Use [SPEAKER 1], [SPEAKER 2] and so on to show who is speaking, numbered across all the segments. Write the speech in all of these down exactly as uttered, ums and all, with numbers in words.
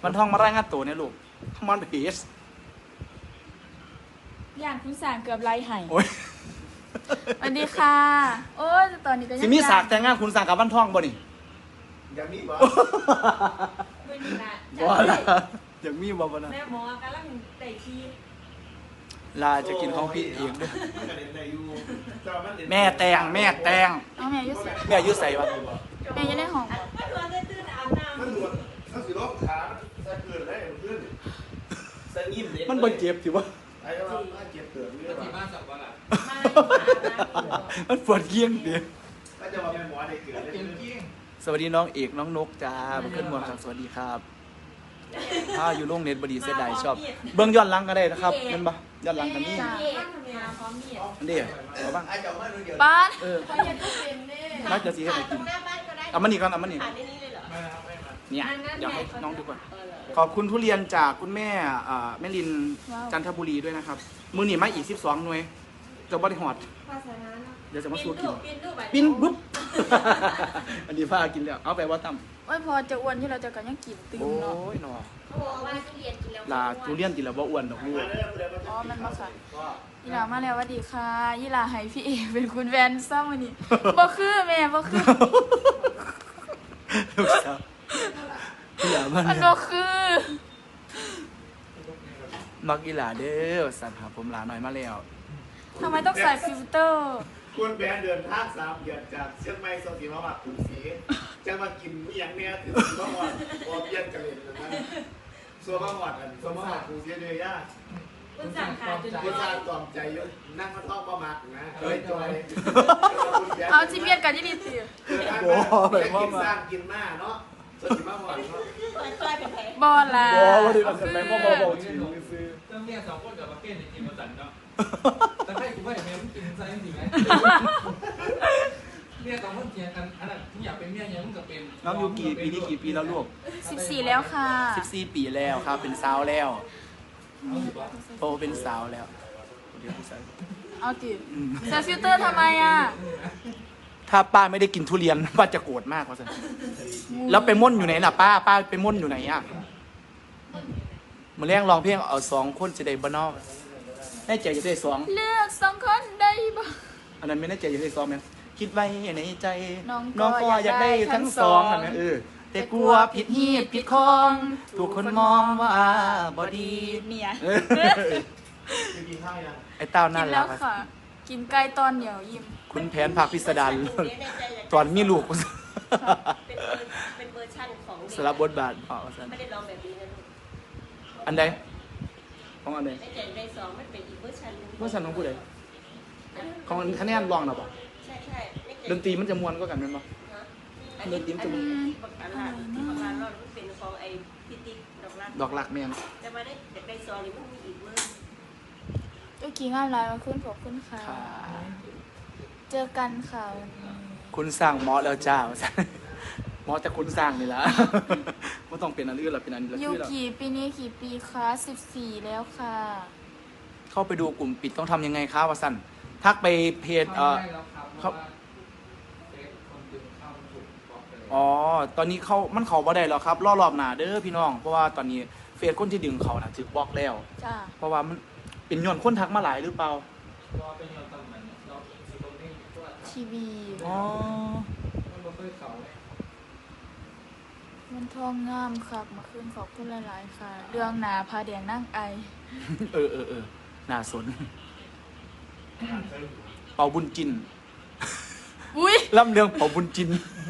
[SPEAKER 1] วันทองมารายงานตัวเนี่ยลูกมันเพจ
[SPEAKER 2] อย่างคุณสางเกือบไล่ไห้
[SPEAKER 1] โอ้ย
[SPEAKER 2] สวัสดีค่ะ โอ้ยตอนนี้ก็ยัง
[SPEAKER 1] สิมีสากแต่งงานคุณสั่งกับวันทองบ่นี่
[SPEAKER 3] อย่างนี้บ่
[SPEAKER 4] ไม่มีละ
[SPEAKER 1] บ่ละอยากมีบ่บ่นะ
[SPEAKER 4] แม่หมอกำลังไต่ที
[SPEAKER 1] ลาจะกินของพี่เองด้วย
[SPEAKER 3] มันก็เล่นได้อยู่แต่ว่ามันเล่น
[SPEAKER 1] แม่แตงแม่แตง
[SPEAKER 2] เอาแม่อยุ่ใส่
[SPEAKER 1] แม่อายุใส่วะ
[SPEAKER 2] แม่อยังได้ห้อง
[SPEAKER 4] มันวันได้ตื่นอาบน้ำ
[SPEAKER 3] มันหลวดถ้าสิลบขาใส่เกินได้เพื่อนใส่ยิ้มเด็ก
[SPEAKER 1] มันบ่เจ็บสิวะ
[SPEAKER 3] ไอ้ว่าถ้าเจ็บเกิดเรื่อง
[SPEAKER 5] ที่
[SPEAKER 3] ว่า
[SPEAKER 5] บ้านสับว่าล่ะ
[SPEAKER 4] มาอาบน้ำ
[SPEAKER 1] มันปวดเกี้ยงเดียว
[SPEAKER 3] ถ้าจะว่าเป็นหมอเด็กเกิด
[SPEAKER 5] เก่งเก่ง
[SPEAKER 1] สวัสดีน้องเอกน้องนกจ้ามาขึ้นมวลครับสวัสดีครับถ้าอยู่โรงเน็ตบดีเสียดายชอบ เบื้องย้อนหลังก็ได้นะครับเห็นปะย้อนหลังกันนี่
[SPEAKER 4] เอ๊ะมาพร้อมมีด
[SPEAKER 1] อันนี้เอาบ้าง
[SPEAKER 3] ไอ้เจ้ามาดูเดียว
[SPEAKER 2] ป้าน
[SPEAKER 1] เออ
[SPEAKER 4] เขาอยากเป็นแน่
[SPEAKER 1] น่าจะสีให้ไหนกิน
[SPEAKER 4] หน้าบ้านก็ได้
[SPEAKER 1] เอามันนี่ก่อนเอามันนี่
[SPEAKER 4] ผ่านในนี้เลยเหรอ
[SPEAKER 5] ไม่ครับไม่มา
[SPEAKER 1] เนี่ยอยากให้น้องดูก่อน
[SPEAKER 4] เออเหรอ
[SPEAKER 1] ขอบคุณทุเรียนจากคุณแม่อ่าแม่ลินจันทบุรีด้วยนะครับ มือหนีมาอีกสิบสองหน่วยจะบริหอด
[SPEAKER 4] ภาษานั้น
[SPEAKER 1] เดี๋ยวจะมาสู้กิน
[SPEAKER 4] ปิ้นรูป
[SPEAKER 1] ปิ้นปุ๊บ อันนี้ฟ้ากินแล้วเอาไปว่าตั้ม
[SPEAKER 2] โอ้ยพอจะอ้วนที่เราจะกันยังกินตึง
[SPEAKER 1] โอ้
[SPEAKER 2] เนาะ
[SPEAKER 1] ยหนอ
[SPEAKER 4] เขาบอกว่าทุเรียนกินแล้ว
[SPEAKER 1] ลาทุเรียนกินแล้วบ่อ้วนดอกลูก
[SPEAKER 3] มาเด้อเดี๋ยว
[SPEAKER 2] อ๋อมันมาค่ะยี่หลามาแล้วสวัสดีค่ะยี่หลาให้พี่เอเป็นคุณแวนซ้ำวันนี้บ่คือแม่บ่คือ
[SPEAKER 1] ลูกสาวพี่หลาบ้าน
[SPEAKER 2] มันบ่คือ
[SPEAKER 1] มักอีหลาเด้อสัตว์หาผมหลาหน่อยมาแล้ว
[SPEAKER 2] ทำไมต้องใส่ฟิลเตอร์
[SPEAKER 3] คุณแบนเดินทางสามเดือนจากเชียงใหม่สองสีมาวัดกรุงศรีจะมากินอย่างเนี้ยถึงมาวัดพอเพี้ยนกันเลยนะส่วนมาวัดอันส่วนมาวัดกรุงศรีเลยย่า
[SPEAKER 4] คุณสั่งขาดจน
[SPEAKER 3] คุณชาตอมใจเยอะนั่งมาท่องประมักนะเฮ้ยจอย
[SPEAKER 2] เอาจิเบียนกันยี่ดีสิ
[SPEAKER 3] โอ้ไปกินสร้างกินมาเนาะสดมาวัดเนาะ
[SPEAKER 4] กลายเป็นแผล
[SPEAKER 2] บอลล่ะ
[SPEAKER 1] บ่ว่าได้มัน
[SPEAKER 2] คื
[SPEAKER 1] แม่
[SPEAKER 2] อ
[SPEAKER 1] บ่บ่บ่ถือซื้อ
[SPEAKER 5] ต้องเรียกสองคนกับมาเก้นในทีมมาสั่นเนาะแต่ให้กูว่าอย่างนี้มันกินไซส์จริงไหมเมียสองคนเทียงกันอันนั้นทุกอย่างเป็นเมียยังมึงกับเป็น
[SPEAKER 1] น้องยูกี่ปีนี้กี่ปีแล้วลูก
[SPEAKER 2] สิบสี่แล้วค่ะ
[SPEAKER 1] สิบสี่ปีแล้วครับเป็นสาวแล้ว
[SPEAKER 5] เอาสิบว่า
[SPEAKER 1] โตเป็นสาวแล้วเดี๋ยวพี่สาว
[SPEAKER 2] เอาจิใส่ฟิลเตอร์ทำไมอ่ะ
[SPEAKER 1] ถ้าป้าไม่ได้กินทุเรียน ป้าจะโกรธมากว่าสันแล้วไปม่นอยู่ไหนล่ะป้าป้าไปม่นอยู่ไหนอ่ะมาเลี้ยงร้องเพลงเอาสองคนจะได้บ้านนอกแน่ใจจะได้สอง
[SPEAKER 2] เลือกสองคนได้บ่
[SPEAKER 1] อันนั้นไม่แน่ใจจะได้สองไหมคิดไว้ในใจ
[SPEAKER 2] น้องก็
[SPEAKER 1] น้องก็อยากได้ทั้งสองนั่นไหมเออแต่กลัวผิดหีบผิดคองถูกคนมองว่าบอดี
[SPEAKER 2] เมีย
[SPEAKER 1] เออ
[SPEAKER 3] กินข้าวยัง
[SPEAKER 1] ไอ้เต้าน่า
[SPEAKER 2] กินแล้
[SPEAKER 1] รั
[SPEAKER 2] ว
[SPEAKER 1] กอะ
[SPEAKER 2] ค่ะ กินไก่ตอนเหนียวยิ้ม
[SPEAKER 1] คุณแผนผักพิสดารตอนมีลูก
[SPEAKER 4] เป็นเวอร์เป็นเวอร์ชันของเด็ก
[SPEAKER 1] สลับบทบาทอ๋อสัน
[SPEAKER 4] ไม่ได้ร้องแบบนี้นะลูก
[SPEAKER 1] อันใดของอันใด
[SPEAKER 4] ในใจในสองมันเป็นอีกเวอร์ชันหนึง
[SPEAKER 1] เมื่อสันของผู้ใดของคะแนนรองนะปะ
[SPEAKER 4] ใช่ใช่ในใจ
[SPEAKER 1] ดนตรีมันจะมวนก็กันแมันปะ
[SPEAKER 4] ฮะอันนี้อันนี้ที่ประกันลาที่ประกันรอดมันเป็นของไอ้พิติกดอกรัก
[SPEAKER 1] ดอกหลักแม่น
[SPEAKER 4] แต่มาได้แต่ในซองนี่มันมีอีกเวอร์
[SPEAKER 2] เจ้ากี่งานไลน์มาขึ้นขอบคุณค่ะ
[SPEAKER 1] ค่ะ
[SPEAKER 2] เจอกันค่ะวันนี้
[SPEAKER 1] คุณสร้างหมอแล้วจ้าว่าซั่น หมอแต่คุณสร้างนี่ละ ไม่ต้องเป็นอันอื่นหรอกเป็นอันนี้ละ
[SPEAKER 2] ยู
[SPEAKER 1] คือเรา
[SPEAKER 2] กี่ปีนี้กี่ปีคะสิบสี่แล้วค่ะ
[SPEAKER 1] เข้าไปดูกลุ่มปิดต้องทำยังไงครับวะสันทักไปเพจเอ่อ
[SPEAKER 5] ได้แล้วครับเพราะว่าเฟซคนดึงเข้าถูกบล็อกไปเลย
[SPEAKER 1] อ๋อ ตอนนี้เขามันเขาบ่ได้แล้วครับรอรอบหน้าเด้อพี่น้อง เพราะว่าตอนนี้เฟซคนที่ดึงเขาน่ะถูกบล็อกแล้ว
[SPEAKER 2] จ้า
[SPEAKER 1] เพราะว่ามันเป็นย้อนคนทักมาหลายหรือเปล่า
[SPEAKER 5] รอเป็นยอนตำแหน่งเราสิตรงนี้ตัว
[SPEAKER 2] ทีวี
[SPEAKER 1] อ๋อ
[SPEAKER 5] มันบ่เคยเขาเลย
[SPEAKER 2] มันทองงามครับมาขึ้นขอบคุณหลาย ๆ ค่ะ เรื่องหนาพาแดงนั่งไอ
[SPEAKER 1] เออเออเออน่าสน เป่าบุญจิน
[SPEAKER 2] อุ้ย
[SPEAKER 1] ล่ำเรื่องเป่าบุญจิน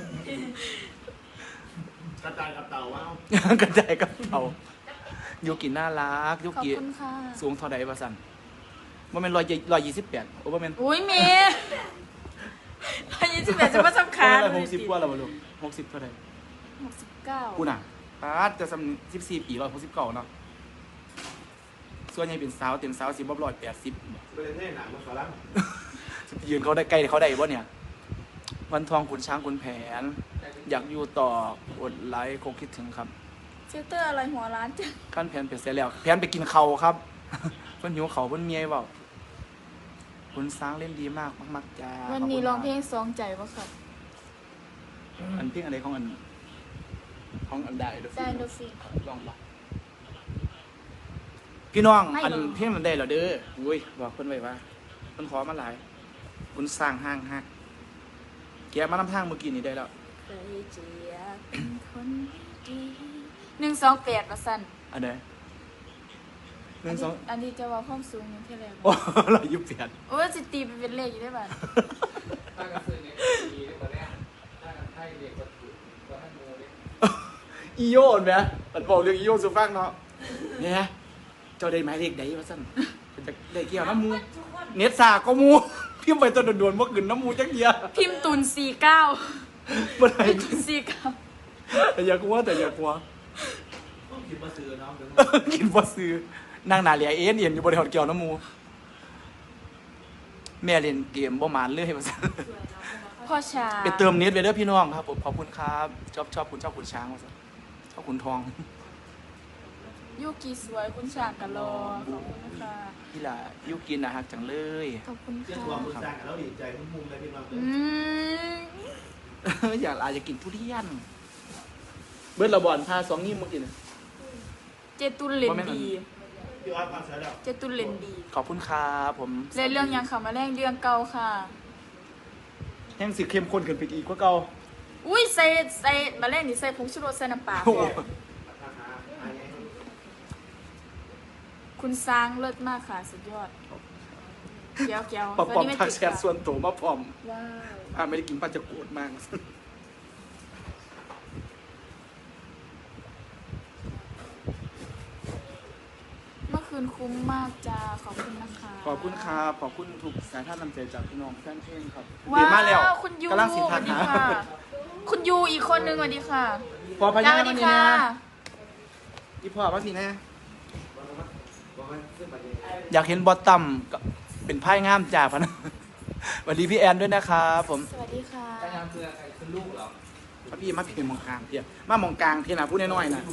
[SPEAKER 3] กระจายกับเต่าว้าว
[SPEAKER 1] กระจายกับเป่ายูกิน่ารักยู
[SPEAKER 2] ขอบ
[SPEAKER 1] กิ
[SPEAKER 2] คุณค่ะ
[SPEAKER 1] สูงเท่าใดวะสันว่าเป็นร้อยร้อยยี่สิบแปดโอ้ว่าเป็น
[SPEAKER 2] อุ้ยเมย์อายุสิบแปดจะมาสำคัญ
[SPEAKER 1] หกสิบกว่าแล้วบ่ลูกหกสิบเท่าใด
[SPEAKER 2] หกสิบเก้า
[SPEAKER 1] กูน่ะปาดจะสำสิบสี่ปีร้อยหกสิบเก้าเนาะส่วนใหญ่เป็นสาวเต็มสาวสิบบ่ร้อยแปดสิบ
[SPEAKER 3] ไปเล่นให้หนังมาฝรั่ง
[SPEAKER 1] ยืนเขาได้ใกล้เขาได้บ่เนี่ย วันทองขุนช้างขุนแผน อยากอยู่ต่อกดไลค์คงคิดถึงครับ
[SPEAKER 2] ฟิลเตอร์อะไรหัวร้านจัง
[SPEAKER 1] ขั้นแผนเปลี่ยนเสร็จแล้วแผนไปกินเขาวครับ เพิ่นหิวเขาวเพิ่นเมียเปล่าขุนช้างเล่นดีมากมากๆจ้า
[SPEAKER 2] วันนี้ร้องเพลงสองใจปะครับ
[SPEAKER 1] อันเพลงอะไรของอันห้องอันใดเด้อ
[SPEAKER 2] ไดโนฟิน
[SPEAKER 1] ลองบ่พี่น้อง
[SPEAKER 2] ไม่
[SPEAKER 1] อัน
[SPEAKER 2] หรอก
[SPEAKER 1] เพลงมันได้แล้วเด้ออุ้ยบอกเพิ่นไว้ว่าเพิ่นขอมาหลายคุณสร้างห้างฮักแกะมานำทางเมื่อกี้นี้ได้แล้ว
[SPEAKER 2] เคยเจียบเป็นคนดีหนึ่งสองแปดมาสั่น
[SPEAKER 1] อันใดหนึ่งสอง
[SPEAKER 2] อันนี้จะว่าความสูงนี่เท่าไหร่
[SPEAKER 1] โอ้เรายุบเปลี่ยน
[SPEAKER 2] โอ้ยสิตีไปเป็นเลขอยู่ได้บ่า
[SPEAKER 5] ถ้ากันซื้อเนี่ยดีได้ตอนแรกถ้ากันให้เด็กก็ถูกก็ให้โมเด็ก
[SPEAKER 1] อีโยนไหมมันบอกเรื่องอีโยนสุฟังเนาะเนี่ยเจ้าได้หมายเลขใดวะสั่นเป็นจะได้เกี่ยวน้ำมูเน็ตสาก็มูพิมพ์ไปตัวด่วนๆเมื่อคืนน้ำมูจักเดียว
[SPEAKER 2] พิมพ์ตุนสี่เก้า
[SPEAKER 1] เมื่อไหร่
[SPEAKER 2] พิมพ์ตุนสี่เก้า
[SPEAKER 1] แต่อย่ากลัวแต่อย่ากลัว
[SPEAKER 5] ต้องคิดมาซื้อน้องถึง
[SPEAKER 1] กินบ่ซื้อนั่งหนาเหลียเอ็นเอ็นอยู่บริหารเกี่ยวน้ำมูแม่เล่นเกมบ่หมานเลยว่าซั่น
[SPEAKER 2] พ่อชา
[SPEAKER 1] ไปเติมเน็ตไปเด้อพี่น้องครับผมขอบคุณครับชอบชอบคุณชอบคุณช้างว่าซั่นชอบคุณทอง
[SPEAKER 2] ยูกิสวยคุณฉากกะรอขอบคุณนะคะ
[SPEAKER 1] พี่ล่ะยุกินนะฮักจังเลย
[SPEAKER 2] ขอบคุณ
[SPEAKER 3] เจ้า
[SPEAKER 2] ค่ะ
[SPEAKER 3] ตัวคุณสร้างกันแล้วดีใจมุ่งๆเลยพี่น้องเลย
[SPEAKER 2] อืม
[SPEAKER 1] อยากอาจจะกินทุเรียนเบิร์ดระบอนพาสองนิ้วมากินน่ะ
[SPEAKER 2] เจตุลเลนดี
[SPEAKER 3] พี่ออสฟังเสียแล้ว
[SPEAKER 2] เจตุลเลนดี
[SPEAKER 1] ขอบคุณครับผม
[SPEAKER 2] เล่นเรื่องยังค่ะมาแรงเรื่องเก่าค่ะ
[SPEAKER 1] แห้งสิเข้มข้นขึ้นไปอีกกว่าเก่า
[SPEAKER 2] อุ้ยใส่ใส่มาแรงนี่ใส่ผงชูรสใส่น้ำปลา
[SPEAKER 1] โอ้โห
[SPEAKER 3] ราคาอันนี้
[SPEAKER 2] คุณสร้างเลิศมากค่ะสุดยอดเกียวเกียว
[SPEAKER 1] ปอมปอม
[SPEAKER 2] ไม่
[SPEAKER 1] ทัก
[SPEAKER 2] ติด
[SPEAKER 1] แชทส่วนตัวมาพร้อม
[SPEAKER 2] ว้าว
[SPEAKER 1] อ่าไม่ได้กินป้าจะโกรธมาก
[SPEAKER 2] เมื่อคืนคุ้มมากจ้าขอบคุณนะคะ
[SPEAKER 1] ขอบคุณครับขอบคุณทุกสายท่านนำใจจากพี่น้องแฟนเพลงครับ
[SPEAKER 2] ว้
[SPEAKER 1] เดี๋ยวมาแล้ว
[SPEAKER 2] าวคุณยู
[SPEAKER 1] กำลังสิ
[SPEAKER 2] ส
[SPEAKER 1] ทั
[SPEAKER 2] วั
[SPEAKER 1] ก
[SPEAKER 2] สดี
[SPEAKER 1] หา
[SPEAKER 2] ค่ะ คุณยูอีกคนนึงสวัสดีค่ะ
[SPEAKER 1] พอพ
[SPEAKER 2] จ้า
[SPEAKER 1] ญา
[SPEAKER 2] สวัส
[SPEAKER 1] มา
[SPEAKER 2] ดี
[SPEAKER 1] นี่
[SPEAKER 2] ค่ะ
[SPEAKER 1] นะอีพ่อมาพี่นะอยากเห็นบอตตัมก็เป็นไพ่งามจ่าพะนะ สวัสดีพี่แอนด้วยนะครับผม
[SPEAKER 2] สวัสดีค่ะ
[SPEAKER 5] ใครทำคือใครคือลูกเหรอ
[SPEAKER 1] มาพี่มาพี่มองกลางเพียมามองกลางเพียนะพูดน้อยๆนะ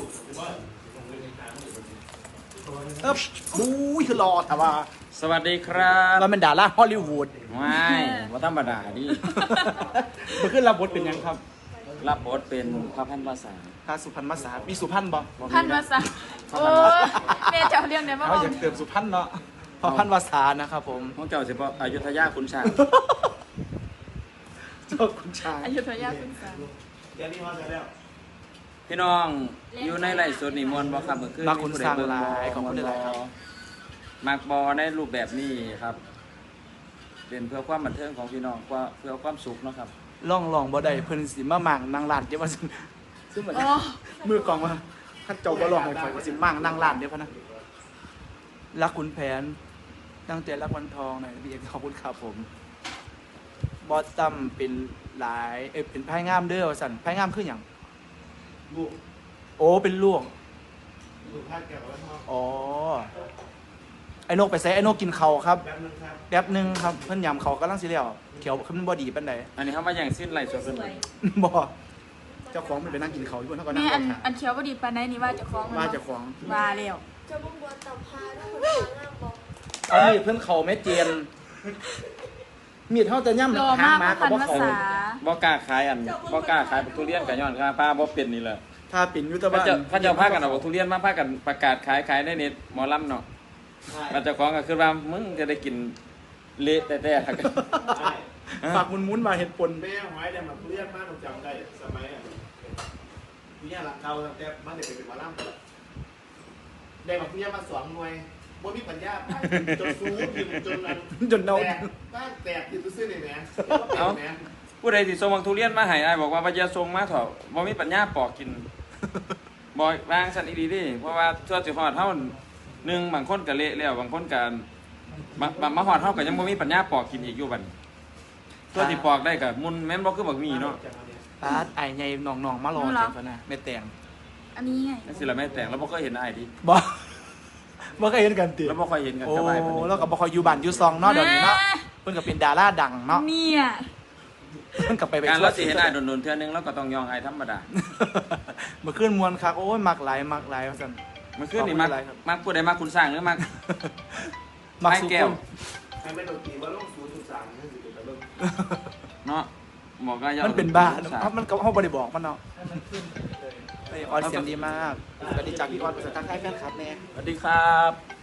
[SPEAKER 1] เอ๊บบู๊ยคือรอแต่ว่า
[SPEAKER 6] สวัสดีครับ
[SPEAKER 1] เราเป็นดาราฮอลลีวูด
[SPEAKER 6] ไม่ว่าธรรมดาดิ
[SPEAKER 1] มาขึ้นรับบทเป็นยังครับ
[SPEAKER 6] รับบทเป็นพระพันภาษา
[SPEAKER 1] ทาสุพรรณมาสามีสุพรรณบ่
[SPEAKER 2] พันมาซะโอ้ยแม่จะเอาเรื่องไหนมาบ
[SPEAKER 1] เขา
[SPEAKER 2] อก
[SPEAKER 1] อยากเติมสุพรรณเนาะพอพันวาสานะครับผม
[SPEAKER 6] ของเจ้าสิบอยุธยาคุณชาง
[SPEAKER 1] เจ้าคุณชาย
[SPEAKER 2] อยุธยาคุณสา
[SPEAKER 3] เดี๋ยวนี้พอเสียแล้ว
[SPEAKER 6] พี่น้องอยู่ในไร่สดนี่มวนบ่ครับเมื่อคืน
[SPEAKER 1] มาคุณสร้าง
[SPEAKER 6] มีผู้ใด
[SPEAKER 1] ลา
[SPEAKER 6] เบิ่
[SPEAKER 1] ยของคุณหลายครับ
[SPEAKER 6] มักบอในรูปแบบนี้ครับ เป็นเพื่อความบันเทิงของพี่น้องว่าเพื่อความสุขเนาะครับ
[SPEAKER 1] ล่องลองบ่ได้เพิ่นสิมาหมั่งนางลานเดี๋ยวว่าซึ่งซึ่งเหมือน
[SPEAKER 2] โอ้
[SPEAKER 1] มือกองว่าท่านเจ้าบ่ลองให้ข่อยว่าสิมั่งนางลานเดี๋ยวพะนะรักขุนแผนตั้งแต่รักวันทองหน่อยพี่เอกขอบคุณครับผมบอสตัมเป็นหลายเอ้ยเป็นไพ่งามเด้อว่าซั่นไพ่งามคือหยัง
[SPEAKER 3] ลูก
[SPEAKER 1] โอ้เป็นลวก
[SPEAKER 3] ลูกพาดแก้วไว้ห้อง
[SPEAKER 1] อ๋อไอ้นกไปใส่ไอ้นกกินเขาวครับ
[SPEAKER 3] แป๊บนึงครับ
[SPEAKER 1] แป๊บหนึงครับเพิ่นยำเขากำลังสิแล้วเขียวขึ้นบ่ดีปานใด
[SPEAKER 6] อันนี้เขามาอย่างสิ้นไร่สดเป็น
[SPEAKER 1] บ่เจ้าของมันไปนั่งกินเขาวอยู่บนเท่าก็นั่
[SPEAKER 2] แม่
[SPEAKER 1] งร
[SPEAKER 2] อั
[SPEAKER 1] อน ถาม
[SPEAKER 2] อันเขียวพอดีปานไหนนี่ว่าเจะคล้าของมัน
[SPEAKER 1] ว่า
[SPEAKER 2] เนาะ
[SPEAKER 1] เจ้าของ
[SPEAKER 2] ว่าแล้ว
[SPEAKER 7] จะบุ้งบัวตับพาด้วยคนทางล่างบอก
[SPEAKER 1] เอามีดเพิ่นเขาแม่เจียนมีดเฮาจะย่ำ
[SPEAKER 2] รอ
[SPEAKER 1] หาม
[SPEAKER 2] าก
[SPEAKER 1] หมา
[SPEAKER 2] พั
[SPEAKER 1] ก็
[SPEAKER 2] น
[SPEAKER 1] บ่
[SPEAKER 2] ภา
[SPEAKER 1] เขา
[SPEAKER 2] ษา
[SPEAKER 6] บ่กล้าขายอันบ่กล้าขายทุเรียนกับย้อนค่าป้าบ่เป็นนี่แหละ
[SPEAKER 1] ถ้าปิ่นอยู่แตะ
[SPEAKER 6] พระ
[SPEAKER 1] บ้าน
[SPEAKER 6] เจ้าพระเจ้าพากันเอาทุเรียนมาพากันประกาศขายขายในเน็ตหมอลำเนาะพระเจ้าของก็คือว่ามึงจะได้กินเละแต่แต่กัน
[SPEAKER 3] ใช่
[SPEAKER 1] ฝากมุนๆมาเห็ดปน
[SPEAKER 3] แม่หอยได้มาเรียกมากผมจำได้สมัยอ่ะพี่หลังเก่าแต่มันเด็กเป็นมาล่ำได้มาพี่มาสองหน่วยบ่มีปัญญาจนซูพิมจนนั้น
[SPEAKER 1] จนเนา
[SPEAKER 3] แตกบ้านแตกอยู่ซื่อๆนี่แหมเอาแหม
[SPEAKER 6] ผู้ใดสิส่งบักทุเรียนมาให้อ้ายบอกว่าบ่จะส่งมาเถอะบ่มีปัญญาปอกกินบ่วางสั่นอีดีดิเพราะว่าทั่วสิฮอดเฮาหนึ่งบางคนก็เละแล้วบางคนก็มามามาฮอดเฮาก็ยังบ่มีปัญญาปอกกินอีกอยู่บัดนี้ทั่วสิปอกได้ก็มุนแม่นบ่คือบักหมี่เนาะ
[SPEAKER 1] ปาดไอ้ใหญ่น้องๆมารอจังซั่นน่ะแม่แตง
[SPEAKER 2] อันนี้ไง
[SPEAKER 6] จังซี่ล่ะแม่แต่งแล้วบ่เคยเห็นอ้ายดิ
[SPEAKER 1] บ่บ่เคยเห็นกันติ
[SPEAKER 6] แล้วบ่ค่อยเห็นกัน
[SPEAKER 1] โอ้
[SPEAKER 6] กับอ้ายปานนี้
[SPEAKER 1] แล้วก็บ่ค่อยอยู่บ้านอยู่ซองเนาะเดี๋ยวนี้เนาะเพิ่นก็เป็นดาราดังเนาะ
[SPEAKER 2] เนี่ย
[SPEAKER 1] เพิ่นก็ไปไป
[SPEAKER 6] การ
[SPEAKER 1] ทั่ว
[SPEAKER 6] เราสิเห็นอ้ายโดนๆเทื่อนึงเราก็ต้องยองอ้ายธรรมดา
[SPEAKER 1] เมื่อคืนมวนคักโอ้ยมักหลายมักหลายว่าซั่น
[SPEAKER 6] มันคือนี่มัก
[SPEAKER 1] ขอบคุณหลายครับ
[SPEAKER 6] มักผู้ใดมักคุณสร้างหรือมัก
[SPEAKER 1] มัก
[SPEAKER 6] ไม้
[SPEAKER 1] สุ
[SPEAKER 6] แก้
[SPEAKER 1] กุ
[SPEAKER 6] ว
[SPEAKER 1] ล
[SPEAKER 3] ให้ไม่โดนตีว่าลงศูนย์จุดสามนั่นสิเป็นตะลึง
[SPEAKER 6] เนาะหมอก็ยอ
[SPEAKER 1] มันเป็นบ้า
[SPEAKER 6] คุณสร้ง
[SPEAKER 1] เนาะมันก็เฮาบ่ได้บอกมันเนาะ
[SPEAKER 5] ให้มันขึ้นเลย
[SPEAKER 3] เ
[SPEAKER 1] เอ้ยออดเสียงดีมากสวัสดีจากพี่ออดภาษาทักทายแฟนคลับแน่
[SPEAKER 6] สวัสดีครับ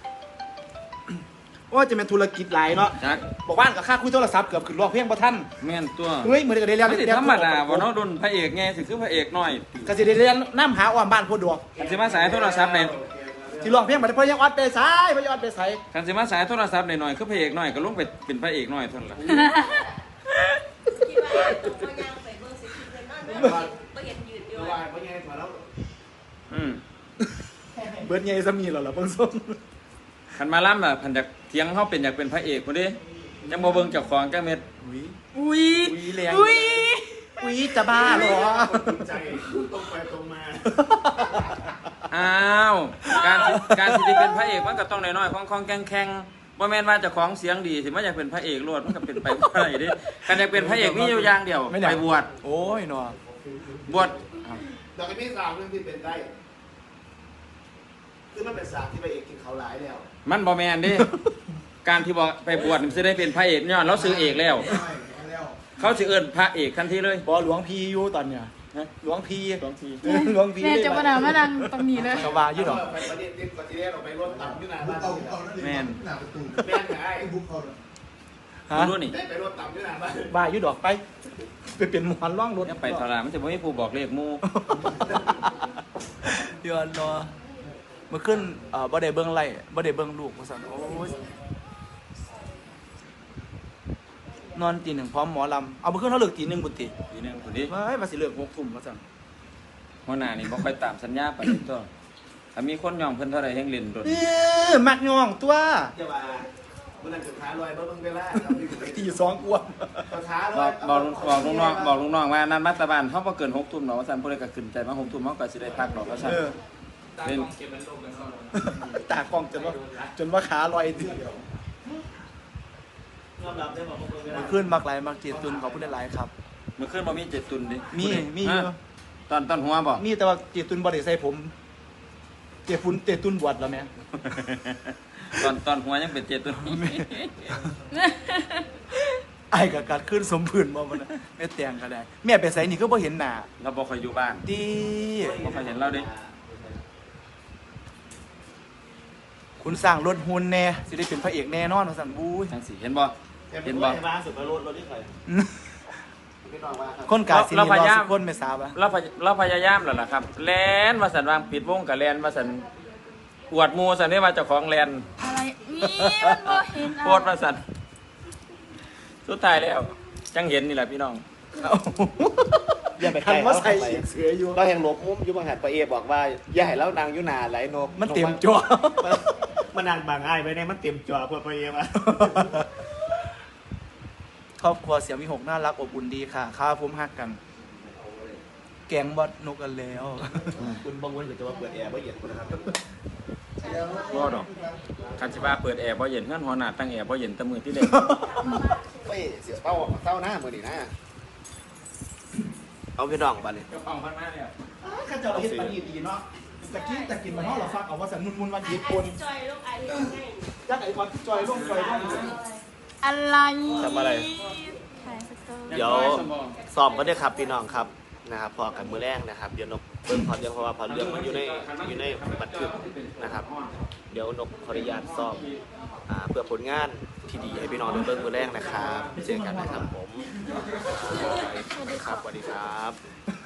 [SPEAKER 1] ว่าจะเป็นธุรกิจหลายเนาะ
[SPEAKER 6] จัก
[SPEAKER 1] บอกบ้านกับค่าคุยโทรศัพท์เกือบขึ้นร้องเพลงบ่ทัน
[SPEAKER 6] แม่นตัว
[SPEAKER 1] เฮ้ยเหมือนกับได้เรียน
[SPEAKER 6] มันสิธรรมดาบ่เนาะโดนพระเอกไงสิคือพระเอกน้อย
[SPEAKER 1] ก็สิได้เรียนน้ำหาอ้อมบ้านโพดดวง
[SPEAKER 6] คันสิมาสายโทรศัพท์ได้
[SPEAKER 1] ที่ร้องเพลงบ่ได้เพราะยังออดไปสายเพราะยังออดไปสาย
[SPEAKER 6] คันสิมาสายโทรศัพท์ได้หน่อยคือพระเอกน้อยก็ลงไปเป็นพระเอกน้อยเท่านั้นล่ะ
[SPEAKER 4] คิดว่าตัวก็ย่างไปเบิ่งสิคิดเลยนั่นแม่บ่เห็นยืนอยู่
[SPEAKER 3] เมื่อวานเพราะยังมาแล้ว
[SPEAKER 6] อืม
[SPEAKER 1] เบิดใหญ่ซะมีแล้วล่ะเบิ่งส้ม
[SPEAKER 6] คันมาล่ำอ่ะคันอยากเถียงเฮาเป็นอยากเป็นพระเอกพุ่นเด้จังบ่เบิ่งเจ้าของจังเม็ด
[SPEAKER 1] อุ้ย
[SPEAKER 2] อุ้ย
[SPEAKER 1] อุ้ยแรง
[SPEAKER 2] อุ้ย
[SPEAKER 1] อุ้ยจะบ้าเหรอ
[SPEAKER 3] จริงใจตรงไปตรงมา
[SPEAKER 6] อ้าวการสิการสิได้เป็นพระเอกมันก็ต้องน้อยๆคล่องๆแข็งๆบ่แม่นว่าเจ้าของเสียงดีสิมาอยากเป็นพระเอกโลดมันก็เป็นไปบ่ได้เด้คันอยากเป็นพระเอกมีอยู่อย่างเดียวไปบวช
[SPEAKER 1] โอ้ยเนาะ
[SPEAKER 6] บวช
[SPEAKER 3] ดอกไอ้พี่สาวเรื่องที่เป็นได้คือมันเป็นสาวที่ไปเอกกินเขาหลายแล้ว
[SPEAKER 6] มันบ่แม่นเด้ การที่บอกไปบวชมันสิได้เป็นพระเอกย้อนเราซื้อเอกแล้ว เขาสิเอิ้นพระเอกทันทีเลย
[SPEAKER 1] บ่หลวงพี่อยู่ตอนเนี้ย
[SPEAKER 6] ฮะ
[SPEAKER 1] หลวงพี่
[SPEAKER 6] หลวงพี่
[SPEAKER 1] หลวงพี่
[SPEAKER 2] แม่จะมาด่ามาดังตรงนี้เลย
[SPEAKER 1] ชาวบ้านอยู่ดอก
[SPEAKER 3] ไปประเด็นที่ก่อนที่แรกเราไปรถต่ำอยู่หน้าบ้าน
[SPEAKER 5] เอา
[SPEAKER 3] นี่แหละ
[SPEAKER 5] เอานั่น
[SPEAKER 6] แม่น
[SPEAKER 5] หน้าประตู
[SPEAKER 3] แม่นไง
[SPEAKER 5] ไอ้บุ๊กเขาเลย
[SPEAKER 1] ฮะ
[SPEAKER 6] รู้นี่
[SPEAKER 3] ได้ไปรถต่ำอยู่หน้าบ้าน
[SPEAKER 1] บ้าอยู่ดอกไปไปเป็นหมอนร่องรถ
[SPEAKER 6] อย่าไปทรามันจะบ่มีผู้บอกเลขหมู่
[SPEAKER 1] เดือนเนาะเมื่อขึ้นเอ่อบ่ได้เบิ่งไล่บ่ได้เบิ่งลูกว่าซั่นโอ้ยนอนตีหนึ่งพร้อมหมอลำเอาเมื่อขึ้นเขาเลิกตีหนึ่งบุญติ
[SPEAKER 6] ทีนึงคนนี้
[SPEAKER 1] เฮ้ยมาสิเลิกหกทุ่มว่าซั่น
[SPEAKER 6] หัวหน้านี่บ่ค่อยตามสัญญาปานนี้ตัวถ้ามีคนยอมเพิ่นเท่าใดแฮงเล่นโดน
[SPEAKER 1] เออมักย่องตัว
[SPEAKER 3] เจ้าว่ามันนั่งสุดท้ายลอยเบิ้งเวลา
[SPEAKER 1] ตีสองกว่า
[SPEAKER 3] สุดท้ายล
[SPEAKER 6] บ
[SPEAKER 3] อ
[SPEAKER 6] อย กบอกลูกบอกลูกน้องบอกลูกน้องว่านัดมาตะบ้านเฮาบ่เกินหกทุ่มเนาะว่าซั่นผู้ใดก็ขึ้นใจมาหกทุ่มเฮาก็สิได้พักดอกว่าซั่น
[SPEAKER 1] เออ
[SPEAKER 6] เป็น
[SPEAKER 1] ตากล้องจนว่าจนว่าขาลอยทีเดียวย
[SPEAKER 3] อมรับได้บอกเบิ้งเวลา
[SPEAKER 1] ขึ้นมักหลายมักเจีตุนขอบคุณหลายๆครับ
[SPEAKER 6] มื้อคืนบ่มีเจ็ดตุนดิ
[SPEAKER 1] มีมีอยู่
[SPEAKER 6] ฮะตอนตอนหัวบ่
[SPEAKER 1] มีแต่ว่าเจีตุนบ่ได้ใส่ผมเจีฟุนเจีตุนบวชแล้วแม่
[SPEAKER 6] ตอนตอนหัวยังเป็นเจ็ดตุน
[SPEAKER 1] ไอ้กับการขึ้นสมพื้นบ่มันน่ะแม่แต่งก็ได้แม่ไปใส่นี่ก็บ่เห็นหน้า
[SPEAKER 6] เราบ่ค่อยอยู่บ้าน
[SPEAKER 1] ดี
[SPEAKER 6] บ่ค่อยเห็นเราเด้
[SPEAKER 1] คุณสร้างรถหุ่นแน่สิได้เป็นพระเอกแน่นอนว่าซั่นบู้ย
[SPEAKER 6] จังสิเห็นบ่
[SPEAKER 3] เห็
[SPEAKER 6] เห็
[SPEAKER 3] น
[SPEAKER 6] น
[SPEAKER 3] บ่
[SPEAKER 6] บ่
[SPEAKER 3] บ้านสุดไปรถรถที่ใครพี่น้องว่าครับ
[SPEAKER 1] คนกาสิ
[SPEAKER 6] เรา
[SPEAKER 1] นี่
[SPEAKER 6] พ
[SPEAKER 1] รอย
[SPEAKER 6] ายาม
[SPEAKER 1] สุคนไม่ทราบอ่ะ
[SPEAKER 6] เราพยเราพยายามแล้วล่ะครับ แลนว่าสันวางปิดวงกับแลนว่าสันอวดหมูสันนี่ว่าเจ้าของแลน
[SPEAKER 2] อะไรนี่มันบ่เห็น
[SPEAKER 6] โคตรว่าสันสุดท้ายแล้ว จังเห็นนี่แหละพี่น้อง
[SPEAKER 3] อย่าไป
[SPEAKER 1] คันว่าใส่อีกเสืออยู่
[SPEAKER 3] เราแห่งลบมุ้มยุบหันปะเอบอกว่าอย่าให้เรานางยุนาไหลนก
[SPEAKER 1] มันเต็มจั่ว
[SPEAKER 3] มันนางบางอ้ายไปเนี่ยมันเต็มจอเพื่อปะเอมา
[SPEAKER 1] ครอบครัวเสียงมีหกน่ารักอบอุ่นดีค่ะข้าวพุ่มฮักกัน แกงบอดนกกันแล้ว
[SPEAKER 3] คุณบางวันก็จะว่าเปิดแอร์ไม่เย็นคุณนะครับ
[SPEAKER 6] บ่ดอกคันสิว่าเปิดแอร์บ่เย็นเงื่อนหัวหน้าตั้งแอร์บ่เย็นแตะมือที่เด็ก
[SPEAKER 3] เฮ้ยเสียเต้าเต้าหน้ามือดีนะเอาพี่น้องไปเลย
[SPEAKER 6] เจ้าของพันมาเนี่ย
[SPEAKER 1] ข้าเจ้าเฮ็ดปานนี้ดีเนาะตะกี้ตะกินมันเฮาเราฟักเอาว่าสันมุนๆวันญี่ปุ่น
[SPEAKER 4] จอยลูกไอ้เรื่องง่าย
[SPEAKER 1] จักไอ้บอลจอยลงจอยลง
[SPEAKER 2] อะไร
[SPEAKER 3] ทำอะไร
[SPEAKER 2] ถ่ายสเตอร์
[SPEAKER 3] เดี๋ยวซ้อมก็ได้ครับพี่น้องครับนะครับพอกันมือแรกนะครับเดี๋ยวนกเบิ่งพอเรื่องเพราะว่าพอเรื่องมันอยู่ในอยู่ในบันทึกนะครับ เดี๋ยวนกขออนุญาตซ้อมอ่าเพื่อผลงานที่ดีให้พี่น้องได้เบิ่งมือแรกนะครับเจอกันนะครับผมครับสวัสดีครับ